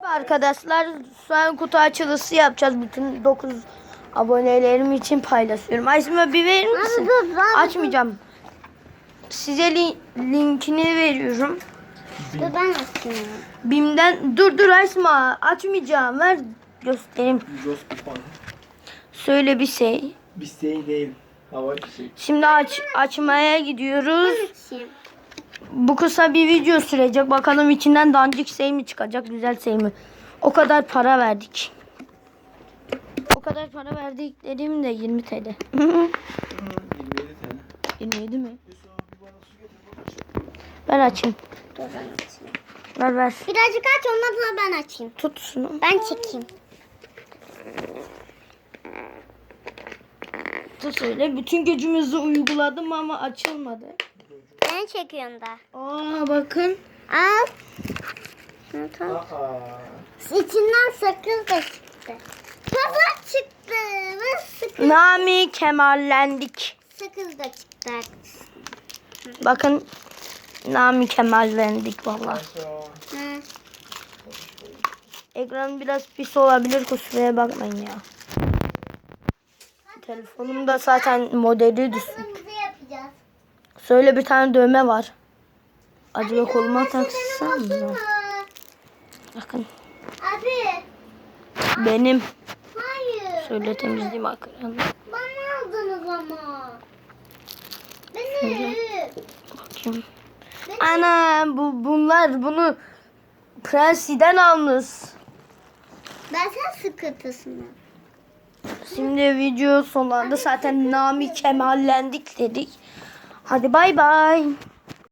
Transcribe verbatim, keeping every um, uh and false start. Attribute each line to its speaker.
Speaker 1: Arkadaşlar şu an kutu açılışı yapacağız. Bütün dokuz abonelerim için paylaşıyorum. Aysima bir verir misin?
Speaker 2: Abi dur, abi
Speaker 1: Açmayacağım. Size li linkini veriyorum.
Speaker 2: Dur ben açayım.
Speaker 1: Bim'den dur dur Aysima açmayacağım. Ver göstereyim. Söyle bir şey.
Speaker 3: Bir şey değil. Hava bir şey.
Speaker 1: Şimdi aç açmaya gidiyoruz.
Speaker 2: Açayım.
Speaker 1: Bu kısa bir video sürecek. Bakalım içinden dandik şey mi çıkacak, güzel şey mi? O kadar para verdik. O kadar para verdik dediğim de yirmi TL.
Speaker 3: yirmi yedi tane.
Speaker 1: yirmi yedi mi? Ver açayım.
Speaker 2: Dur ben açayım.
Speaker 1: Ver ver.
Speaker 2: Birazcık aç ondan sonra ben açayım.
Speaker 1: Tut şunu.
Speaker 2: Ben çekeyim.
Speaker 1: Tut öyle. Bütün gücümüzü uyguladım ama açılmadı.
Speaker 2: Ben çekiyorum da.
Speaker 1: Aa bakın.
Speaker 2: Al. Şunu tut.
Speaker 3: Aa.
Speaker 2: İçinden sakız da çıktı. Kafa çıktı. Ve sakız,
Speaker 1: Nami kemallendik.
Speaker 2: sakız da çıktı.
Speaker 1: Bakın. Nami kemallendik vallahi.
Speaker 3: Aşağı.
Speaker 2: Hı.
Speaker 1: Ekran biraz pis olabilir, kusuraya bakmayın ya. Telefonumda zaten modeli düşük.
Speaker 2: Kırmızı yapacağız.
Speaker 1: Söyle bir tane dövme var. Acaba
Speaker 2: Abi,
Speaker 1: koluma
Speaker 2: dövmesi
Speaker 1: taksam
Speaker 2: benim olsun
Speaker 1: mı?
Speaker 2: mu?
Speaker 1: Bakın
Speaker 2: Abi.
Speaker 1: benim.
Speaker 2: Hayır.
Speaker 1: Söyle temizleyeyim ekranı.
Speaker 2: Bana aldınız ama. Beni.
Speaker 1: Bakayım. Ana bu bunlar bunu Prensi'den almış.
Speaker 2: Ben sen sıkıntısını.
Speaker 1: Şimdi video sonlandı. Zaten Nami kemallendik dedik. Hadi bay bay.